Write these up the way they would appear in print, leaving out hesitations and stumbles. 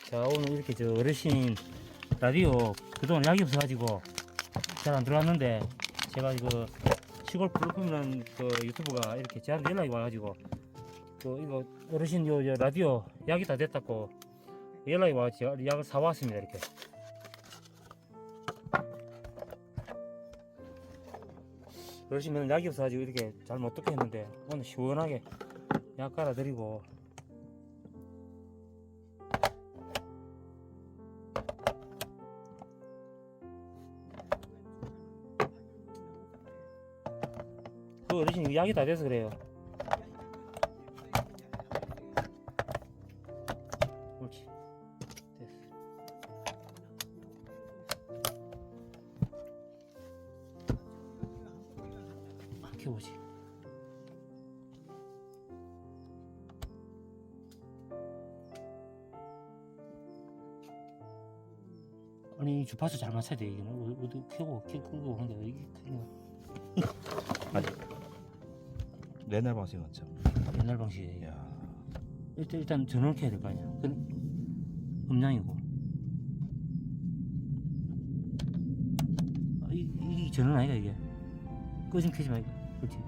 자, 오늘 이렇게 저 어르신 라디오 그동안 약이 없어가지고 잘 안 들어왔는데 제가 그 시골 블루품이라는 그 유튜브가 이렇게 저한테 연락이 와가지고 그 이거 어르신 요 라디오 약이 다 됐다고 연락이 와가지고 약을 사왔습니다. 이렇게 어르신 맨날 약이 없어가지고 이렇게 잘 못 듣게 했는데 오늘 시원하게 약 깔아드리고 그 어르신 약이 다 돼서 그래요. 옳지. 됐어. 안 켜보지. 아니 주파수 잘 맞춰야 돼. 이거는 어디 켜고 한데 이게 그냥 아니 옛날 방식 맞죠? 옛날 방식이에요. 야 일단 전원을 켜야 될 거 아니야. 그 음량이고. 아, 이 전원 아이가 이게. 끄지면 켜지 말고. 그렇지.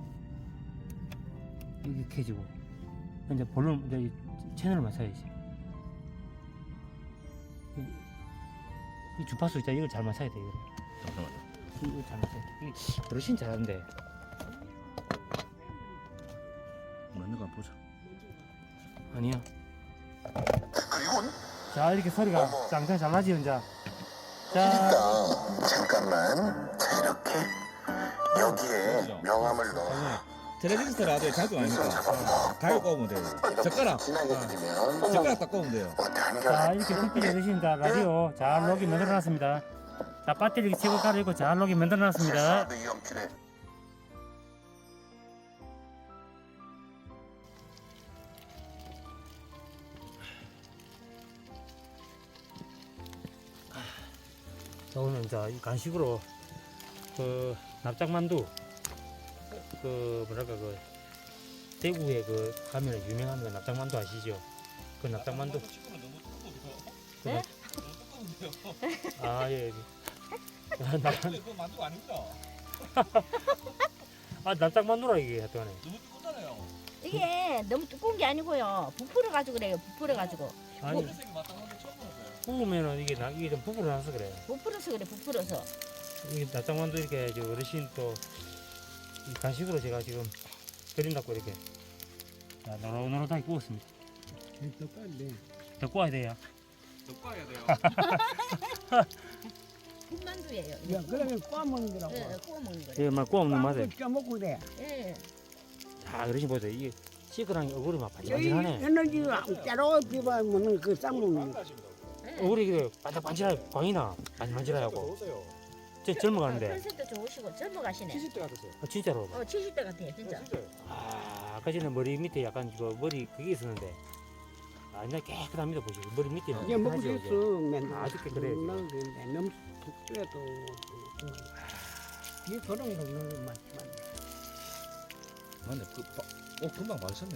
이게 켜지고. 이제 볼륨 이제 이 채널을 맞춰야지. 이 주파수 있잖아. 이걸 잘 맞춰야 돼. 이거. 잠깐만요. 이거 잘 맞춰야 돼. 이게 어르신 잘하는데. 맞는 거 한번 보자. 아니야. 자, 이렇게 소리가 짱짱 잘 나지, 혼자. 자, 잠깐만. 자, 이렇게 여기에 명함을 넣어. 텔레비전 라디오 자주 아니까 가위 꼽으면 돼요. 젓가락 진하게 드리면 젓가락 딱 꼽으면 돼요. 자, 이렇게 불빛이 어르신 자 라디오 잘 녹이 만들어놨습니다. 자, 배터리 최고 깔아있고 잘 녹이 만들어놨습니다. 이 연필에 자, 오늘 자, 이 간식으로 그 납작만두 그 뭐랄까 그 대구에 그 가면 유명한 그 납작만두 아시죠? 그 납작만두. 네? 아, 예. 그거 만두가 아닙니다. 아, 납작만두라 이게 하여튼에. 너무 뜨겁잖아요. 이게 너무 두꺼운 게 아니고요. 부풀어 가지고 그래요. 부풀어 가지고. 아니, 색이 맞다는 게 처음 봤어요. 부으면은 이게 좀 부풀어 나서 그래. 부풀어서 그래. 부풀어서. 이게 납작만두 이렇게 저 어르신 또 이 간식으로 제가 지금 드린다고 이렇게 자, 노릇노릇하게 구웠습니다. 더 구워야 돼요. 더 꺼야 돼요. 군만두예요. 야, 그러면 구워 먹는 거라고. 예, 구워 먹는 거예요. 이게 막 구워 먹는 맛에. 쪄먹고 그래. 예. 자, 어르신 보세요. 이게 시그랑 얼굴이 막 저희 반질반질하네. 에너지가 짜로 비바면 그 쌍먹는 거. 얼굴이 그래 반질반질하고 광이나 반질반질하고. 저 젊어가는데. 컨셉도 좋으시고 젊어 가시네. 70대 같으세요. 아, 진짜로. 70대 같아요, 진짜. 아, 아까 전에 머리 밑에 약간 그 머리 그게 있었는데. 아, 이제 깨끗합니다 보시고 머리 밑에는 이게 먹고 깨끗하죠, 있어 맨날. 아주 깨끗해요, 지금. 먹는데 너무 푹뜨려도 이게 그런 거 너무 많지만. 맞네. 금방 맞으셨네.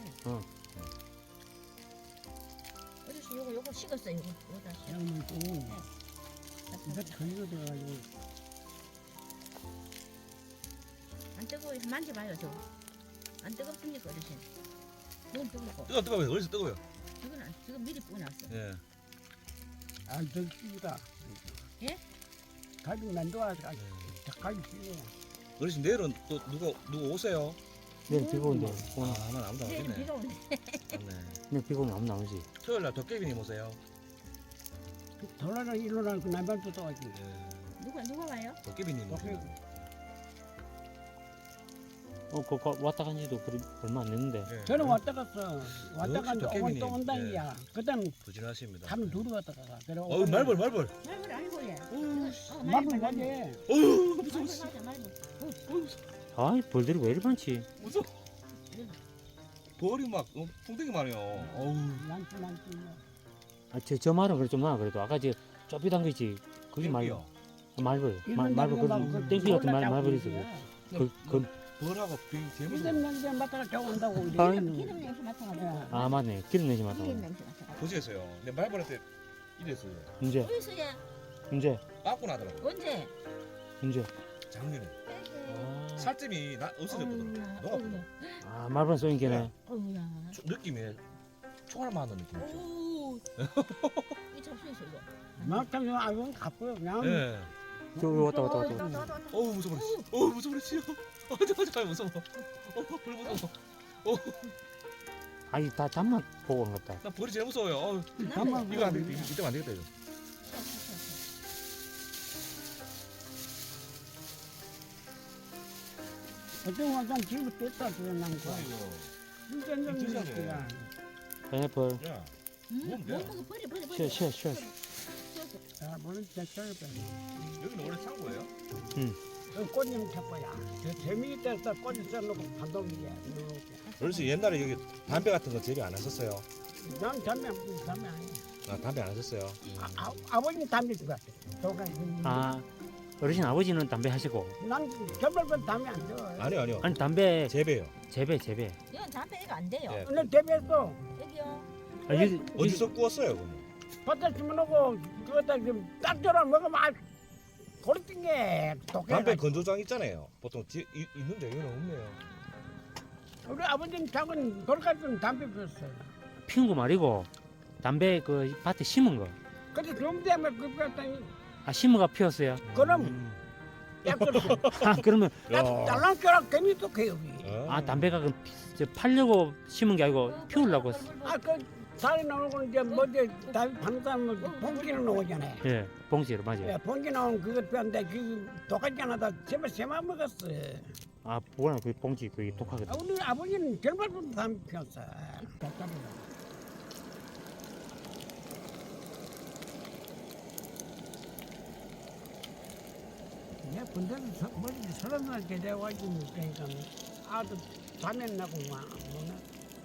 어르신 요거 식었어요. 요거 다시. 너무 좋은. 이거 전이가 돼가지고 안 뜨거워요. 만져봐요, 저. 안 뜨겁습니까, 어르신? 너무 뜨겁고. 뜨거워요. 어디서 뜨거워요? 지금 미리 뿌놨어. 예. 안더 끼다. 예? 가지고 난 좋아가지고 가지 끼네. 어르신 내일은 또 누구 오세요? 내일 비가 온대. 오늘 아마 아무도 안 내일 오겠네. 비가 오네. 맞네. 내일 비가 오면 아무도 안 오지. 토요일 날 도깨비님 오세요. 돌아라 일어나 그 남발도 떠가지. 예. 누가 와요? 도깨비님 오세요. 그거 왔다 간 지도 얼마 안 됐는데. 예. 저는 왔다 갔어. 왔다 역시 갔는데 오면 도깨비님. 또 온다니야. 그다음 부진하십니다. 하루 둘이 왔다 가가. 그래. 말벌. 말벌 아니고 얘. 말벌 가지. 어우 말벌 맞아, 말벌. 아이, 벌들이 왜 이리 많지? 무서워. 벌이 막 풍뎅이 말이요. 어우. 많지. 아, 저 말은 그래 좀 나. 그래도 아까 저 좁이단 거 있지. 그게 말고. 말벌. 말벌. 그 땡피 같은 말벌이 있어. 그 벌하고 재무서. 기름 냄새 맡다가 저 온다고. 아이. 기름 냄새 맡아가지고. 아, 맞네. 기름 내지 마서. 기름 냄새 맡아가지고. 도시에서요. 근데 말벌할 때 이랬어요. 언제? 어디서 얘? 언제? 빠꾸 나더라고. 언제? 언제? 작년에 아, 살점이 없어졌거든. 녹았거든. 아 말벌 쏘인 게네. 어우야. 느낌이 총알 맞는 느낌이죠. 오. 이 잡수있어 이거. 막상 아이고 가쁘요 그냥. 예. 저 왔다. 어우 무서워. 어우 무서워. 잠깐 무서워. 불 무서워. 아니 다 잠만 보고 오는 것 같다. 나 벌이 제일 무서워요. 어우, 잠만 이거 안 되겠다. 이때면 안 되겠다 이거. 어떤 와서 집을 뗐다 그러는 거. 이거. 진짜 드셔야 돼. 그냥. 파인애플. 야. 뭐 돼? 먹어 버려. 쉬어. 아, 물론 제철 거. 여기는 원래 창고예요? 그 꽃님 잡고야. 재미있어서 꽃이 써놓고 반동이야. 어르신 옛날에 여기 담배 같은 거 재배 안 하셨어요? 난 담배 아니야. 아 담배 안 하셨어요? 아버님 담배 주가. 아 어르신 아버지는 담배 하시고. 난 결별번 담배 안 줘. 아니요. 아니 담배 재배요. 재배. 이건 담배가 안 돼요. 예. 오늘 대비했어. 여기요. 아, 여기 어디서 구웠어요 그러면? 밭에 심어놓고 그거다 지금 딱처럼 먹으면 아 고리 띵게 독해. 담배 건조장 있잖아요. 보통 있는데 여기는 없네요. 우리 아버지는 작은 돌같은 담배 피웠어요. 피운 거 말이고 담배 그 밭에 심은 거. 근데 좀 되면 그 피웠더니 아 심어가 피었어요. 그럼 약간 아 그러면 달랑처럼 괜히 독해요. 아 담배가 그 팔려고 심은 게 아니고 피우려고. 아그 살이 나오고 이제 뭐지 담배 파는 사람은 봉지는 나오잖아요. 예 봉지로 맞아요. 예, 봉지 나오는 그거 피웠는데 그 독하지 않아도 제발 세만 먹었어. 아 뭐라 그 봉지 그게 독하거든. 아, 우리 아버지는 결발부터 담배 피웠어. 내 군대는 머리 서른 날 제대해가지고 그러니까 아주 담배 나고 막 뭐나.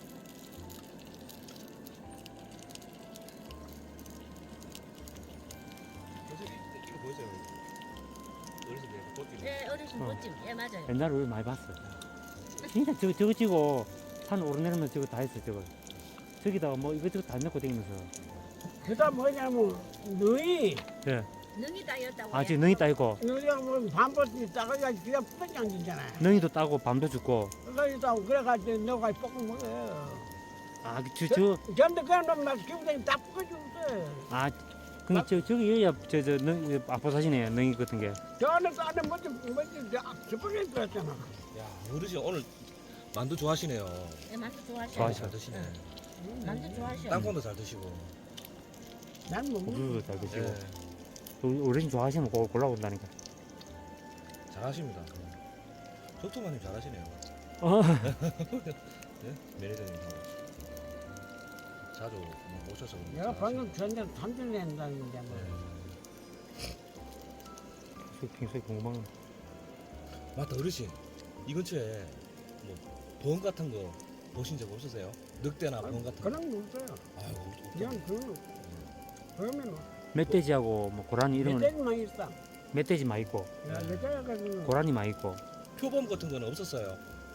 이거 보이세요? 어르신 내가 꽃길. 예, 어르신 멋짐. 예, 맞아요. 옛날에 우리 많이 봤어. 진짜 저거 찍고 산 오르내리면 저거 다 했어 저거. 저기다가 뭐 이것저것 다 넣고 다니면서. 그다 뭐냐면 너희 예. 능이 따였다고. 아 지금 능이 따고 너희가 뭐 반버스 따가야 그냥 뿌리 앉잖아. 능이도 따고 밤도 죽고. 그래가지고 그래가지고 너가 볶은 거예요. 아저 전데 그냥 막 기분이 다 뿌려줬어. 아, 그게 저기 여야 저능 아포사시네 능이 같은 게. 저 안에 뭐지 저번에 들었잖아. 야 어르신 오늘 만두 좋아하시네요. 예, 만두 좋아하셔. 좋아하셔. 잘 드시네. 만두 좋아하셔. 땅콩도 잘 드시고. 난뭐 고기도 잘 드시고. 예. 어르신 좋아하시면 그거 골라본다니까. 잘하십니다. 적토마님 잘하시네요. 어. 네? 매니저님하고 자주 모셔서 그런지 내가 잘하시네요. 방금 전에 3년 낸다는데 뭐. 평소에 궁금한 건. 맞다 어르신 이 근처에 뭐 보험 같은 거 보신 적 없으세요? 늑대나 보험 같은 거? 그런 거 없어요. 아유 그냥 그러면 멧돼지하고 뭐 고라니 이런 건 멧돼지만 있어. 멧돼지 많이 있고 멧돼지가 그 고라니 많이 있고 표범 같은 거는 없었어요.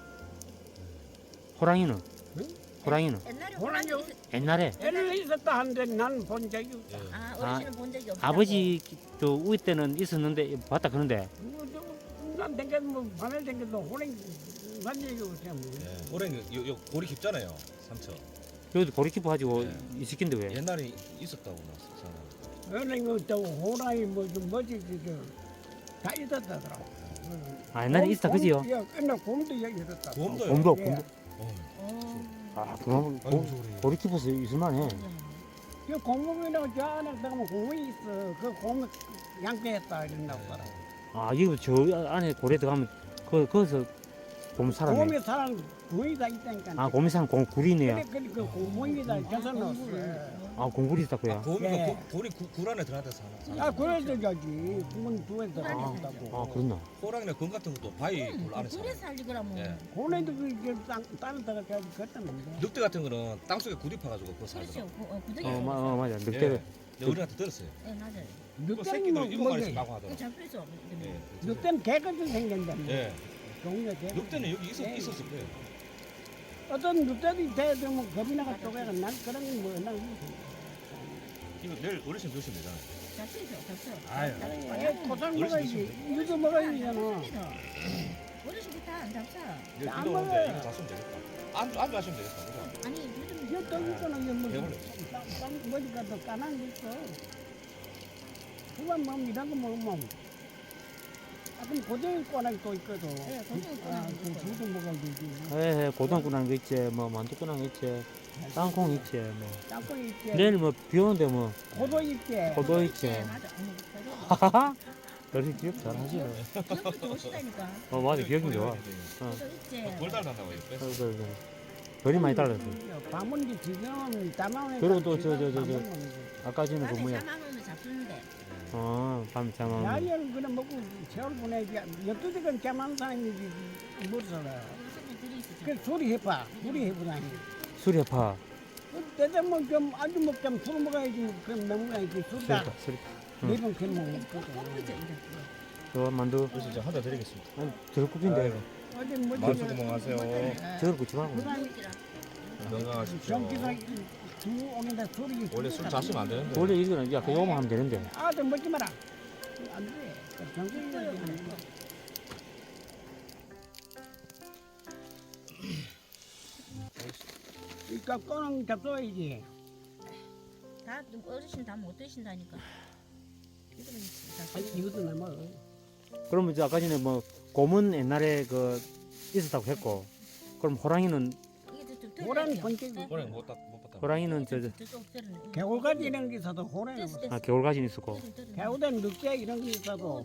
호랑이는 응? 호랑이는 옛날에 호랑이 호랑이 있... 옛날에 애를 있었다 하는데 나는 본 적이 없어. 예. 아, 어르신은 본 적이 없어. 아버지도 우리 때는 있었는데 봤다 그런데 난 댕겨도 뭐 밤에 댕겨도 호랭이 난 얘기 없어. 뭐. 예. 호랭이 요 고리 깊잖아요. 삼척. 여기도 고리키프 가지고 네. 이 새끼인데 왜? 옛날에 있었다고 나서 호랭이 또 호랑이 뭐지 다 있었다더라. 아 옛날에 있었다 그지요? 옛날 곰도 여기 있었다. 곰도요. 곰도 예. 곰도. 어. 아 그럼 아유 소리. 고리키프에서 있을만해. 그 곰이라고 저 안에 들어가면 곰이 있어. 그 곰을 양떼했다 이런다고 봐라. 아 이거 저 안에 고래 들어가면 거기서 곰 살아네. 곰이 사람 곰이 다 있다니까. 아 곰이 사는 곰구리네요. 그래 그 곰이다 계산했어. 아 곰구리 있다 그야. 고미가 예. 고리 굴 안에 들어가서 사나? 아 그래서 저기 곰은 두에 들어간다고. 아 그렇나? 호랑이나 곰 같은 것도 바위 굴 안에 그래 살아요. 살지 그러면. 예. 곰에도 그 땅에 들어가서 걷다는데. 늑대 같은 거는 땅 속에 굴이 파가지고 그거 그렇죠. 살더라고. 구덩이. 맞아 늑대를. 예. 우리한테 들었어요. 예, 맞아요. 그 늑대는 새끼도 뭐 7마리씩 뭐지? 나고 그 하더라고. 잡수 있어. 예. 늑대는 개같이 생긴다. 예. 종류가 개. 늑대는 여기 예. 있었을 거예요. 어떤 늑대도 대들면 겁이 나가 쪼개가 난 그런 거뭐난 이거 내일 어르신 드시면 되잖아요. 잡수죠, 잡수. 아유. 고장 먹어야지. 이거 먹어야 되잖아. 어르신이 다안 잡사. 내일 안 비도 오는데 먹어요. 이거 잡수면 되겠다. 안주 하시면 되겠다. 그죠? 아니 요즘 이거 또 있잖아. 이거 뭐 배불러. 머리가 더 까만 게 있어. 그만 먹으면 이런 거 먹으면. 아, 그럼 고등이 꼬나기 또 있거든. 네, 고등이 꼬나기 그 있어요. 두도 먹어야 되지. 예, 고등어 꾸난 거 있지, 뭐 만두 꾸난 거 있지, 땅콩 있지, 뭐. 땅콩 있지. 내일 뭐 비 오는데 뭐 고도 있지. 고도 있지. 맞아. 저도 하하하. 어르신 기억 잘하시네. 기억도 좋으시다니까. 맞아, 기억이 좋아. 저도 있지. 돌 달란다고 이거 뺐어. 그래. 별이 많이 달랐어. 밤은 지금 담아오니까. 그리고 또 아까 전에 그 밤에 뭐야? 잠안 오면 잡수는데. 밤 잠안. 야리를 그냥 먹고 세월 보내지. 12시간 잠안 사람이지. 못 살아. 요즘에 들이 있어. 그 소리 해봐. 소리 해보다니. 수리파. 때도 뭐좀 아주 먹자면 술 먹어야지. 그럼 넘어가야지. 술다. 수리파. 네번 그래 먹고. 꽁꽁이죠, 이거. 저 만두. 그래서 이제 한잔 드리겠습니다. 아니, 저럴 굽인데. 어제 뭐 만수 구멍하세요. 저걸 굽지 말고. 건강하십시오. 전기사 두 오면다 소리. 원래 술 자시면 안 되는데. 원래 이거는 약간 요만 하면 되는데. 아들 먹지 마라. 안 돼. 정신이 안 돼. 그러니까 꺼는 잡숴야지. 다 어르신 다 못 드신다니까. 이거는 아니 잡수. 이것도 남아. 그러면 이제 아까 전에 뭐 곰은 옛날에 그 있었다고 했고, 그럼 호랑이는 호랑이 번쩍. 오늘 못 봤다. 호랑이는 개울가지 이런 게 있어도 호랑이. 겨울가진 있었고. 개울엔 늑대 이런 게 있어도.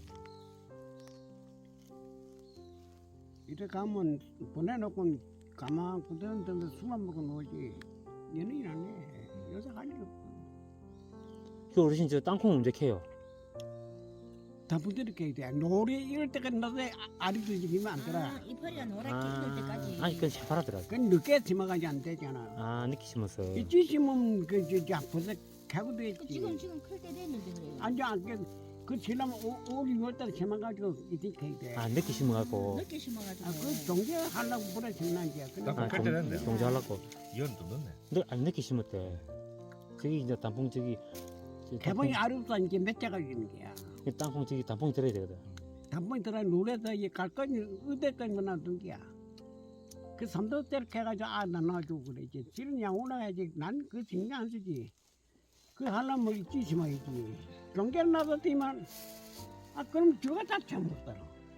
이래 가면 보내놓고 가만 그대로 술만 먹고 놀지. 연예인 안 해. 여자 할 일 없어. 그 어르신 저 땅콩 언제 캐요? 다 부드럽게 해야 돼. 노래 이럴 때까지 넣어서 알이 들리면 안 들어. 이파리가 노랗게 익을 때까지. 아니 그건 새파랗더라. 그건 늦게 심어가지 안 되잖아. 늦게 심었어. 이찌 심으면 그저 벌써 개고 그 됐지. 지금 클 때 됐는데 그래요. 앉아 앉게 그 지나면 5월 6월달에 심어가지고 이렇게 해야 돼. 늦게 심어갖고. 늦게 심어가지고. 그 종제하려고 그래 심는지야. 땅콩 클 때 됐네. 종자하려고. 이건 좀 넣네. 늦게 심었대. 저기 이제 단풍 저기. 개봉이 알없어 이제 몇 자가 있는 거야. 땅콩 저기 단풍이 들어야 되거든. 단풍이 들어 노래서 이 갈거니 의대까지 놔둔 거야. 그 삼도대로 해가지고 나 놔주고 그러지. 지금 양 올라가야지. 난 그 신경 안 쓰지. 그 하려면 뭐 있지 심어야지. 종제를 놔뒀더니만 그럼 저가 다 처먹더라.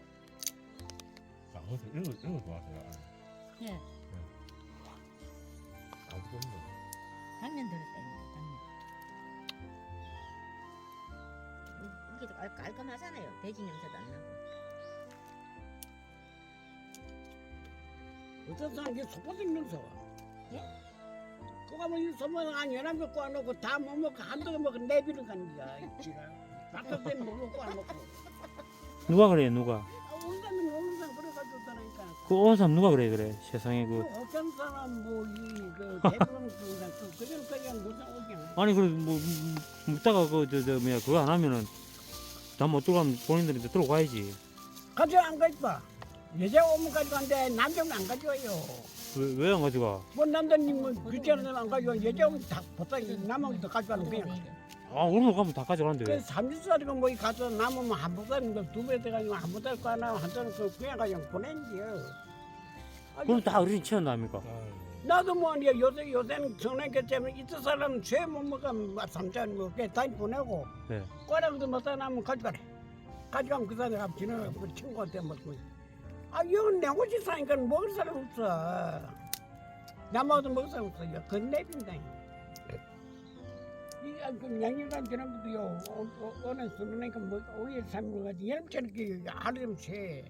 이런 거 좋아하세요? 예. 아무도 없네. 당면 들었다니까. 당면. 이게 더 깔끔하잖아요. 돼지 냄새도 안 나고. 어떤 사람이 소포팅 넣어서. 예? 그거 뭐 이 소포팅 한 연합 먹고 안 먹고 다 못 먹고 한두 개 먹고 내비는 가는 거야. 지가. 바깥 때는 못 먹고 안 먹고. 누가 그래 누가? 온다면 오는 사람 그래가지고 그러니까. 그 온 사람 누가 그래 세상에 그. 어떤 사람 뭐이그 대부분 그대로 그냥 무슨 오게. 아니 그래 뭐 묻다가 저 뭐야 그거 안 하면은 다 못 들어가면 본인들이 들고 가야지. 가져 안 가져와. 여자 오면 가져간대 남자는 안 가져와요. 왜 안 가져가? 뭐 남자님은 그때는 안 가져와. 여자 오면 다 보통 남은 더 가져가는 거야. 오늘 가면 다 가져가는데 그 왜? 30살이가 뭐 가서 남으면 한 보다는 두배 돼가지고 한 보다 거 하나 한자는 그냥 그냥 보낸지요. 그럼 다 어르신 치웠나합니까? 나도 뭐 요새는 전화기 때문에 이쪽 사람 죄못 먹으면 삼천 먹게 다 보내고 네. 꼬랑도 먹다 남으면 가져가래. 가져가면 그 사람이 가면 지나가고 그 친구한테 먹고. 이건 내 옷이 사니까 먹을 사람 없어. 남아도 먹을 사람 없어. 그건 내빈다. 그 양념간 저런 것도요. 오늘 술으니까 뭐 5일 3일 가지 여름처럼 그 하루좀 새.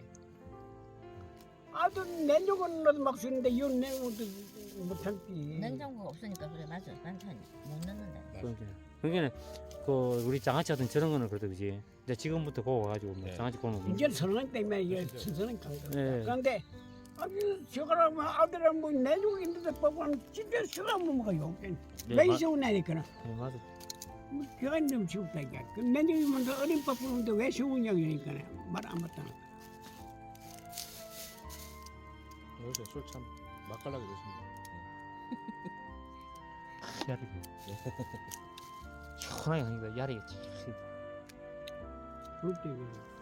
냉장고는 넣어도 막 쓰는데 이 냉장고도 못 참지. 냉장고가 없으니까 그래 맞아. 반찬 못 넣는다. 그러니까 그 우리 장아찌 같은 저런 거는 그래도 그지. 이제 지금부터 고고 가지고 뭐 네. 장아찌 고는 거. 이제 선언 때문에 이게 선언 간 거. 네. 그런데 저거랑 아들은 뭐 내주고 있는데 보고는 진짜 수가 못 먹어요. 왜 세우냐니까. 네, 맞아. 뭐 걔가 좀 세웠다 이게. 그 내주면 어린 밥 부르는데 왜 세우냐고 그러니까 말 안 맞다. 요새 술참 맛깔나게 드십니다. 희한하게. 시원하게 하니까 야리 그때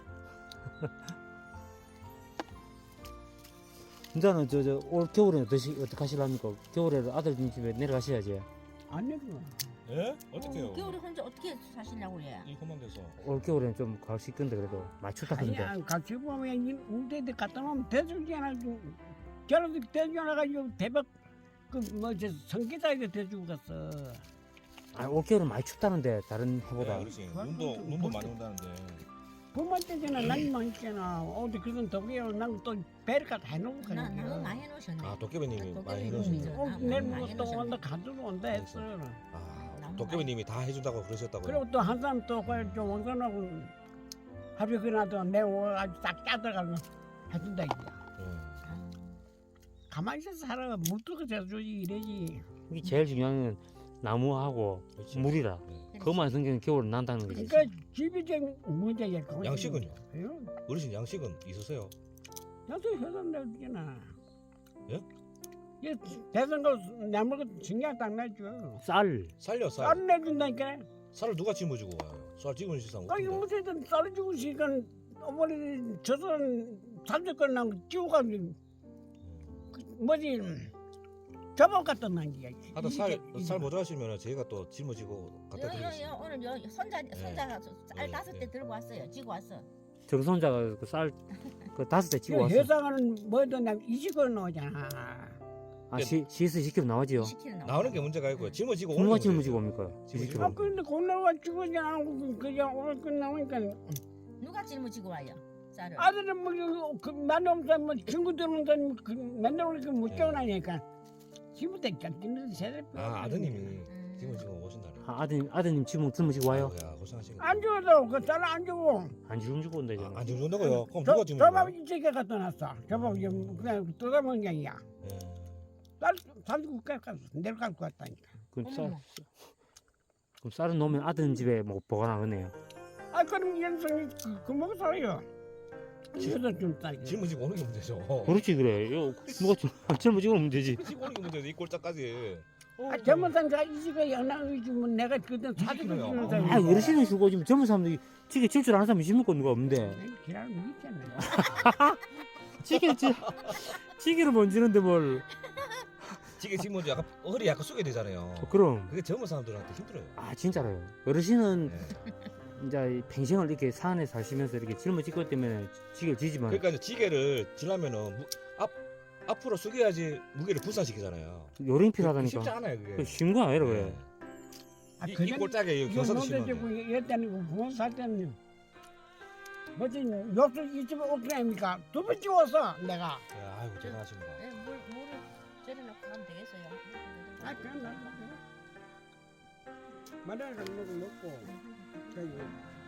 진짜는 올 겨울에 어떻게 하실랍니까? 겨울에 아들님 집에 내려가셔야지. 안 내려와. 예? 어떡해요? 겨울에 혼자 어떻게 사시려고 해? 이 험한 데서. 올 겨울에는 좀 갈 수 있건데 그래도 많이 춥다 하던데. 아니야 같이 보면 우대들 갖다 놓으면 대주잖아. 저런 대주나가지고 대박 그뭐저 성기다에도 대주고 갔어. 올 겨울은 많이 춥다는데 다른 해보다. 네, 어르신 눈도 많이 온다는데. 봄만 때잖아 난이만 있잖아. 어디 그건 더구요 난또 배를 갖다 해놓고 가는 나는 거야. 많이 해놓으셨네. 아 도깨비님이 많이 도깨비님이 해놓으셨네. 내일 많이 또 해놓으셨네. 온다 가지고 온다 했어. 아 도깨비님이 다 해준다고 그러셨다고요? 그리고 또 한 사람 또 그좀 원산하고 하루 그나도 내고 아주 딱 짜들어가면 해준다 이거야. 예. 가만히 있어서 살아 물도 재주지 이래지. 이게 제일 중요한 건 나무하고 그렇지. 물이라. 네. 그것만 생기면 겨울은 난다는 거지. 그러니까 집이 좀 문제야. 그거. 양식은요? 응? 어르신 양식은 있으세요? 나도 회사 내주잖아. 예? 이 대선 거 나무가 신경 딱 내줘. 쌀. 살려 쌀. 쌀 내준다니까. 쌀을 누가 짊어지고 와요? 쌀 짊어질 사람 아니 없던데. 무슨 쌀 주고 있으니까 어머니 저선 삼십건 나무 지우가지고 뭐지 저번 갖다 놔야 하다 쌀 모자라시면 저희가 또 짊어지고 갖다 드리겠습니다. 오늘 손자가 쌀 예, 5대 예. 들고 왔어요. 지고 왔어. 정손자가 그 쌀 그 5대 치고 왔어. 회사가는 뭐든 나 20건 나오잖아. CS 10kg 나오지요. 10kg 나오는 게 문제가 아니고요. 짊어지고 누가 오는 짊어지고 문제죠. 옵니까? 짊어지고. 10kg. 근데 공나와 죽었지 않고 그냥 오늘 끝나니까 누가 짊어지고 와요? 쌀을. 아들은 뭐그 만남사 뭐 친구들은 그 맨날 오니까 못 깨어나니까 지금부터 짝짓는 세대. 아 아드님이 짊어지고 오신다네. 아드님 지금 짊어지고 와요. 아이고야, 고생하시네. 안 죽어도 그 쌀 안 주고 안 주고 온다 이제. 안 죽는다고요? 그럼 누가 짊어지고 저밥 와요? 이쪽에 갖다 놨어. 저밥 그냥 뜯어먹은 게 아니야. 예. 쌀 주고 깎았어. 내려갈 것 같다니까. 그럼 어머머. 쌀은 놓으면 아드님 집에 뭐 보관하겠네요. 아 그럼 연성이 그 먹어 살아요. 그래서 좀 쌀. 짊어지고 오는 게 문제죠. 그렇지 그래. 누가 짊어지고 오면 되지. 짊어지고 오는 게 문제죠. 이 꼴짝까지. 아 젊은 사람가 이지가 연락을 주면 내가 그때 사주고 그래요. 주는 아, 사람이. 아 어르신은 주고 지금 젊은 사람들이 찌개 질 줄 아는 사람이 있습니까? 누가 없는데. 기라는 있잖아. 찌개를 못 지는데 뭘. 지게 짊어지 약간 허리 약간 숙여야 되잖아요. 그럼. 그게 젊은 사람들한테 힘들어요. 아 진짜로요. 어르신은 예. 이제 평생을 이렇게 산에 사시면서 이렇게 짊어질 것 때문에 찌개를 지지만 그러니까 이제 지게를 지려면은 앞으로 숙여야지 무게를 분산시키잖아요. 요령 쉽지 필요하다니까. 않아요 그게. 그 쉬운 거 아니라 그래. 아 이 그전 꼴짝에 이거 경사도 노대지고 심한데. 이랬다는 거 부모 살 때는 뭐지 욕설 이 집에 없게 합니까? 두 번 찍었어 내가. 예, 아이고 대단하십니다. 물을 절여놓고 가면 되겠어요. 아 그럼 나 말을 안 먹고 저기